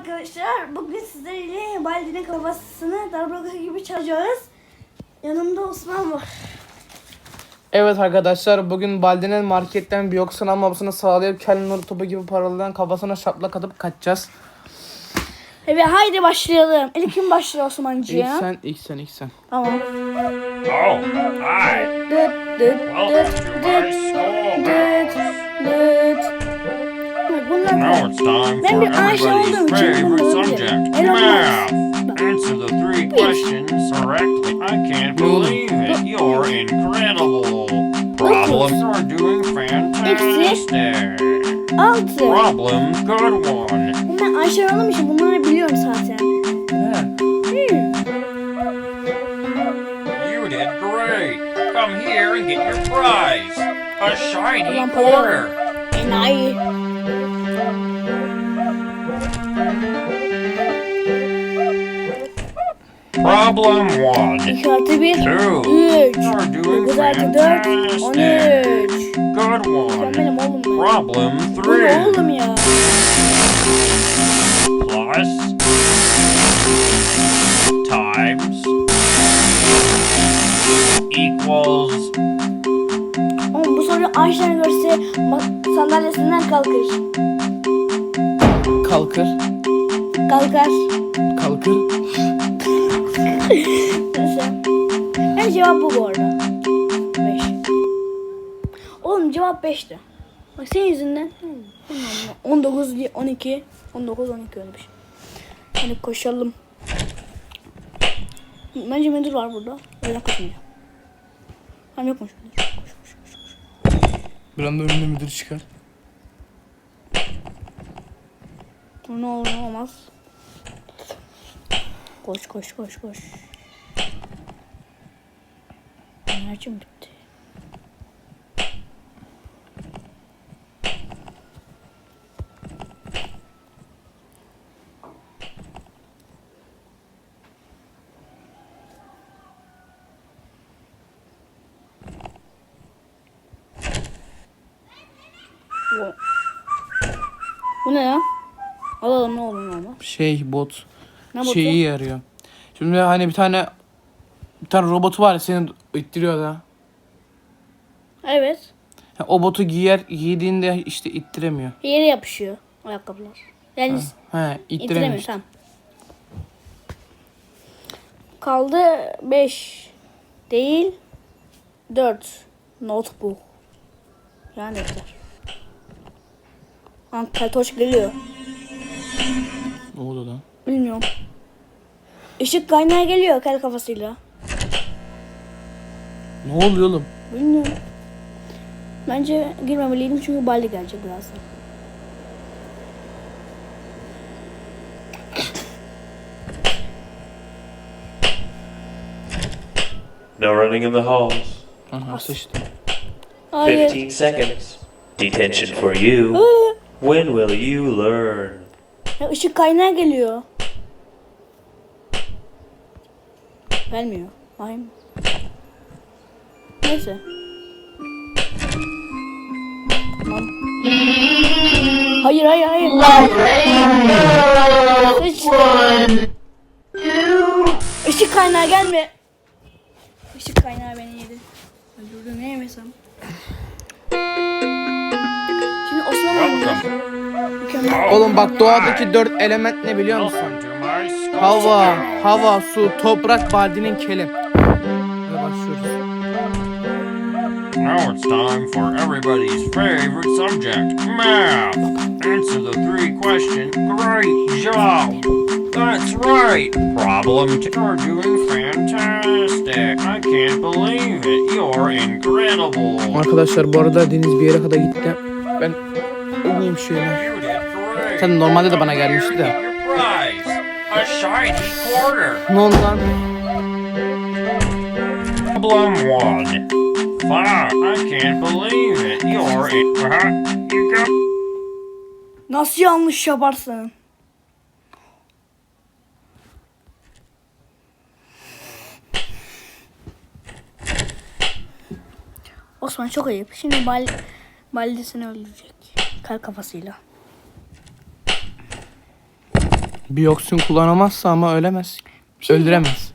arkadaşlar. Bugün sizlerle Baldi'nin kafasını darbuka gibi çalacağız. Yanımda Osman var. Evet arkadaşlar, bugün Baldi'nin marketten bir yoksun almamasını sağlayıp Kelly Nur topu gibi paralayan kafasına şaplak atıp kaçacağız. Evet, haydi başlayalım. İlk kim başlıyor Osman'cığım? İlk sen. Tamam. Oh, hi. Welcome to my school. Now it's time Ben for bir Ayşe everybody's olduğum için favorite bunu subject, biliyorum. math. Answer the three questions correctly. I can't believe it. You're incredible. Problems are doing fantastic. 6. Problem, good one. Ben Ayşe olduğum için bunları biliyorum zaten. You did great. Come here and get your prize. A shiny Ulan para quarter. enayi. Problem 1. 2 artı 1. 3. 2. You're doing 9 artı 4. 13. fantastic. Good Sen one. benim oğlum ben. Problem Bu ne 3. oğlum ya? Plus. Times. Equals. Oğlum bu soruyu Ayşen görse sandalyesinden kalkar. Kalkır. Neyse. Yani cevap bu arada. 5. Oğlum cevap 5'ti. Bak senin yüzünden. 19, 12. 19, 12 öyle bir şey. Hadi koşalım. Bence müdür var burada. Öyle koşmayacağım. Hem yokmuş müdür. Koş. Bir anda önünde müdür çıkar. Ne olur ne olmaz. Koş. Enerjim bitti. Bu ne ya? Alalım ne olur ne olmaz. Bot. Ne botu? Şeyi yarıyor. Şimdi hani bir tane robotu var ya, seni ittiriyor da. Evet. O botu giydiğinde işte ittiremiyor. Yere yapışıyor ayakkabılar. Yani İttiremiyor itiremiyor işte. tamam. Kaldı 5 değil 4 notebook. Yani defter. Keltoş geliyor. Ne oldu lan? Bilmiyorum. Işık kaynağı geliyor kel kafasıyla. Ne oluyor oğlum? Bilmiyorum. Bence girmemeliydim çünkü Baldi gelecek birazdan. No running in the halls. Aha sıçtı. Hayır. 15 seconds. Detention for you. Aa, When will you learn? ya ışık kaynağı geliyor. Gelmiyor. Hayır. Neyse. Tamam. Hayır. Sıçtı. Işık kaynağı gelme. Işık kaynağı beni yedi. Öldürdü ne yemesem. Şimdi Osman Welcome. mükemmel. Oğlum bak, doğadaki 4 element ne biliyor musun? Welcome to my school. Hava, su, toprak, Baldi'nin keli. Hadi başlıyoruz. Now it's time for everybody's favorite subject, math. Answer the three questions. Great job. That's right. Problem 2. You're doing fantastic. I can't believe it. You're incredible. Arkadaşlar bu arada Deniz bir yere kadar gitti. Ben oynayayım şöyle. You did great. Sen normalde de bana gelmişti de. Get your prize. A shiny quarter. Ne oldu lan? Problem 1. Wow, I can't believe it. You're you got Nasıl yanlış yaparsın? Osman çok ayıp. Şimdi Baldi seni öldürecek. Kar kafasıyla. Biyoksin kullanamazsa ama ölemez. Öldüremez.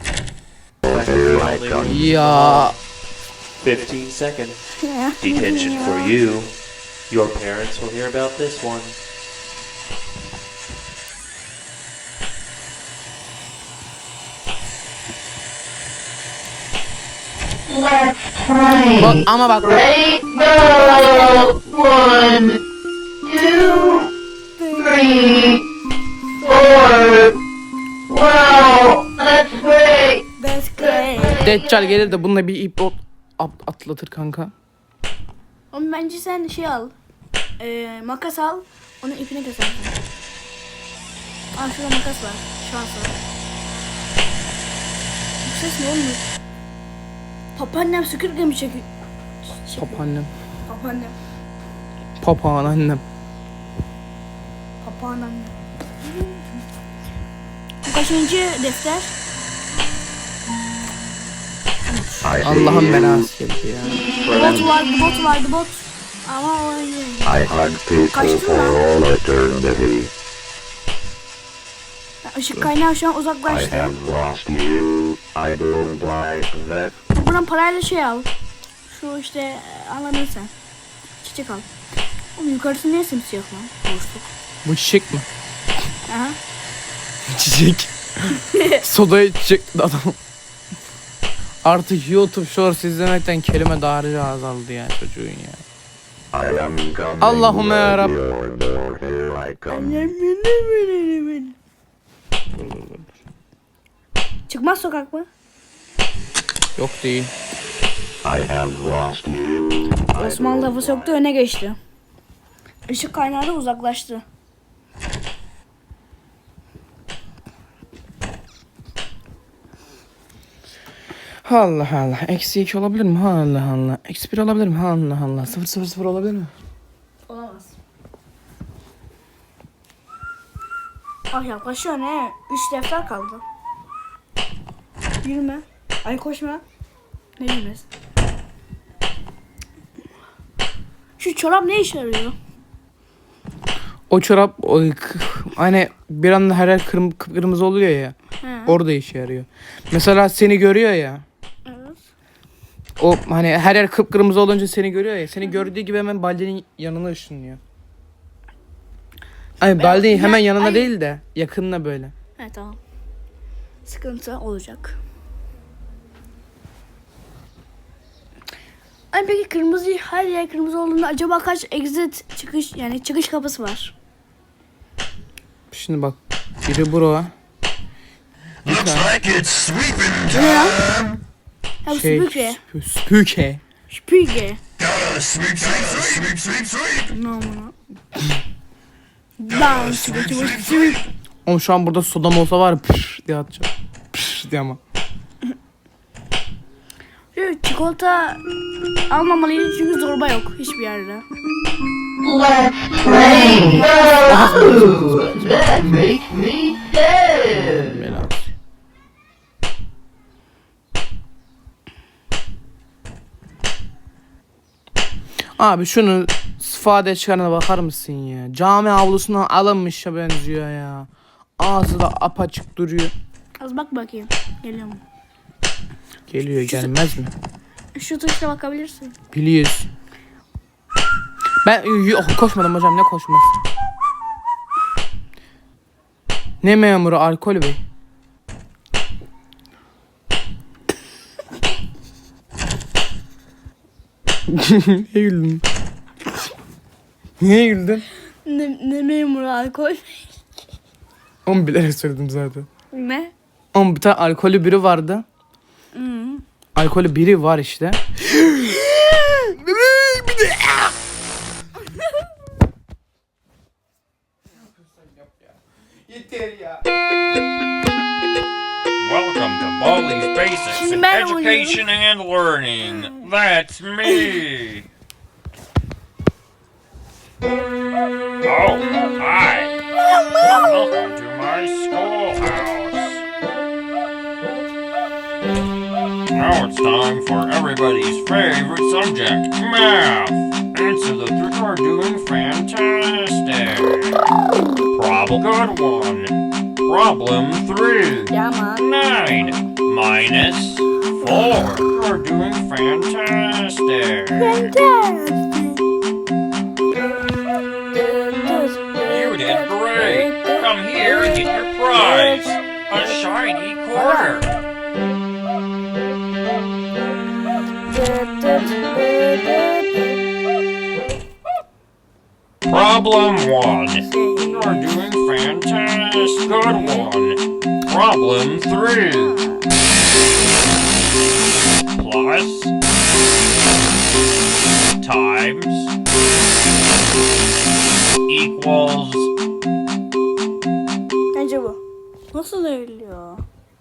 Ya 15 seconds. Detention for you. Your parents will hear about this one. bak ama bak. That's great. Deccal gelir de bununla bir ip atlatır kanka. Oğlum bence sen şey al. Makas al. Onun ipini kesersin. Aa şurada makas var. Şans var. Bu ses ne olmuyor? Papaannem süpürge mi çekiyor? Papaannem. Papaannem. Papağan annem. Papaannem. Bu kaçıncı defter? Allah'ın belası geldi ya. Bot vardı bot. Ama o I hunt people Kaçtın for lan. all eternity. Işık kaynağı şu an I uzaklaştı. have lost you. I don't like that. Buradan parayla şey al. Şu işte anladın sen. Çiçek al. Oğlum yukarısı niye simsiyah lan? Boşluk. Bu çiçek mi? Aha. Çiçek. Sodaya çiçek adam. Artık YouTube Shorts izlemekten kelime dağarcığı azaldı ya çocuğun ya. I am coming. Allahümme ya Rab. Your door, here I come. Çıkmaz sokak mı? Yok değil. I have lost you. Osman lafı soktu öne geçti. Işık kaynağı da uzaklaştı. Allah Allah. Eksi 2 olabilir mi? Allah Allah. Eksi 1 olabilir mi? Allah Allah. 0 0 0 olabilir mi? Olamaz. Ah yaklaşıyor ne? 3 defter kaldı. Yürüme. Ay koşma. Ne yürümez? Şu çorap ne işe yarıyor? O çorap hani bir anda her yer kırmızı oluyor ya. He. Orada işe yarıyor. Mesela seni görüyor ya. Evet. O hani her yer kıpkırmızı olunca seni görüyor ya. Seni gördüğü gibi hemen Baldi'nin yanına ışınlıyor. Ay Baldi hemen yanına değil de yakınına böyle. Evet tamam. Sıkıntı olacak. Ay peki kırmızı her yer kırmızı olduğunda acaba kaç exit çıkış yani çıkış kapısı var? Şimdi bak. Biri bura. Bir tane Bu ne lan? Ha bu şey. süpürge. Süpürge. Süpürge. Ne amına? Lan süpürge. Oğlum şu an burada sodam olsa var ya püf diye atacağım. Püf diye ama. Şu çikolata almamalıydı çünkü zorba yok hiçbir yerde. Belası. Abi şunu sıfade çıkarına bakar mısın ya? Cami avlusuna alınmışa benziyor ya. Ağzı da apaçık duruyor. Az bak bakayım. Geliyor mu? Geliyor gelmez mi? Şu tuşla bakabilirsin. Biliyoruz. Ben koşmadım hocam ne koşması? Ne memuru alkol bey? Niye güldün? Niye güldün? Ne memuru alkol? Onu bilerek söyledim zaten. Ne? Ama bir tane alkolü biri vardı. Alkolü biri var işte. Yeter ya. Welcome to Baldi's Basics Şimdi in ben Education and Learning. That's me. Oh, hi. Welcome to my schoolhouse. Now it's time for everybody's favorite subject, math. Answer the three. You're doing fantastic. Problem Good one. Problem 3. Yaman. 9 minus 4. You're doing fantastic. You did great. Come here and get your prize. A shiny quarter. Problem 1. You're doing fantastic. Good one. Problem 3. Plus times equals. Bence bu. Nasıl ölüyor?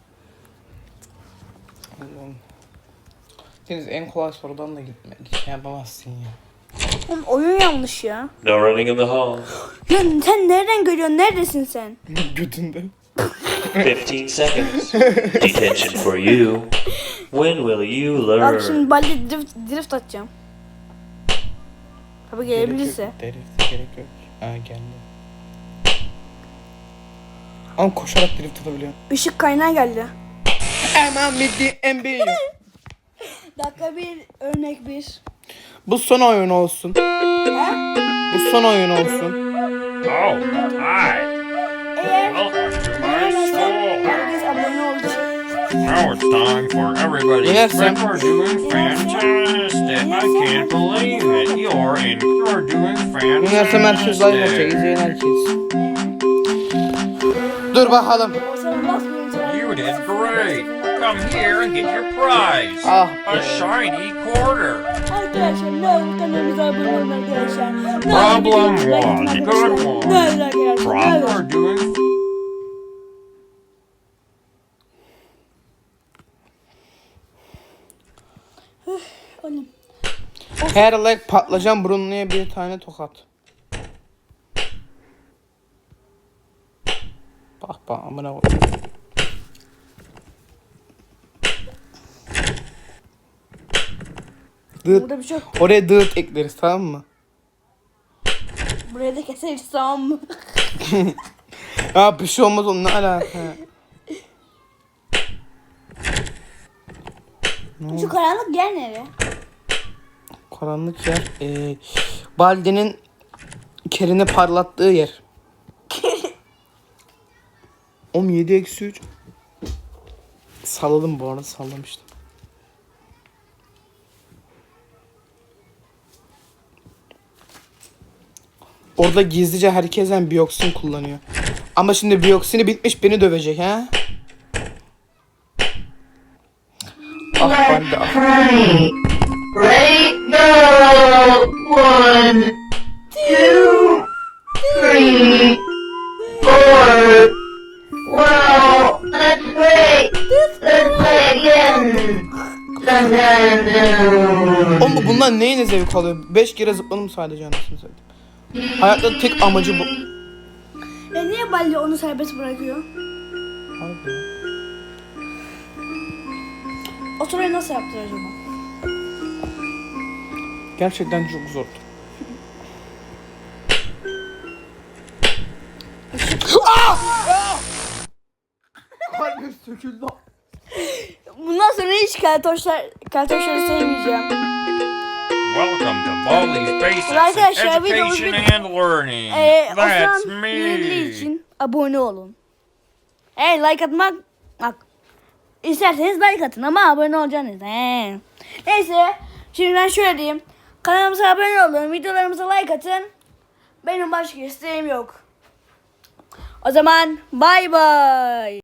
Deniz en kolay sorudan da gitmek şey yapamazsın ya. Oğlum oyun yanlış ya. No running in the hall. Ya sen nereden görüyorsun? Neredesin sen? Götünde. 15 seconds. Detention for you. When will you Bak learn? şimdi balde drift atacağım. Tabii gelebilirse. Gerek yok. Ha geldi. Ama koşarak drift atabiliyorum. Işık kaynağı geldi. Hemen bitti NBA. Dakika 1, örnek 1. Bu son oyun olsun. Ha? Bu son oyun olsun. Oh, hi. Eğer Welcome to my beğenmezsen school. herkes abone olacak. Now it's time for everybody. Yes, sir. You're doing fantastic. I can't believe it. You're doing Üniversite merkez live olacak. fantastic. İzleyen herkes. Dur bakalım. O zaman basmayın sonra. You did great. Come here and get your prize. Ah. A shiny quarter. Arkadaşlar ne olur kanalımıza abone olun arkadaşlar. Problem 1. Good one. Ne olur arkadaşlar. Ne Problem olur. are doing. Oğlum. Her like patlıcan burunluya bir tane tokat. Bak amına koy. Burada bir şey yok. Oraya dıt ekleriz tamam mı? Buraya da keseriz tamam mı? Ya bir şey olmaz onun ne alaka? Şu karanlık yer nereye? Karanlık yer. Baldi'nin kerini parlattığı yer. 17-3. Salladım bu arada sallamıştım. Orada gizlice herkesten biyoksin kullanıyor. Ama şimdi biyoksini bitmiş beni dövecek ha? Ah Baldi ah. Ready, go! 1, 2, 3, 4. Wow, that's great! Let's play again! Sometime Oğlum bunlar neyine zevk alıyor? 5 kere zıpladım sadece anasını satayım. Hayatta tek amacı bu. Niye Baldi onu serbest bırakıyor? Harbi ya. O soruyu nasıl yaptı acaba? Gerçekten çok zordu. Kalbim söküldü. Bundan sonra hiç keltoşları sevmeyeceğim. Welcome to Baldi's Basics in Arkadaşlar, videomuz Education and Learning. That's Osman me. Yedili için abone olun. Like atmak bak. İsterseniz like atın ama abone olacaksınız. Neyse şimdi ben şöyle diyeyim. Kanalımıza abone olun. Videolarımıza like atın. Benim başka isteğim yok. O zaman bay bay.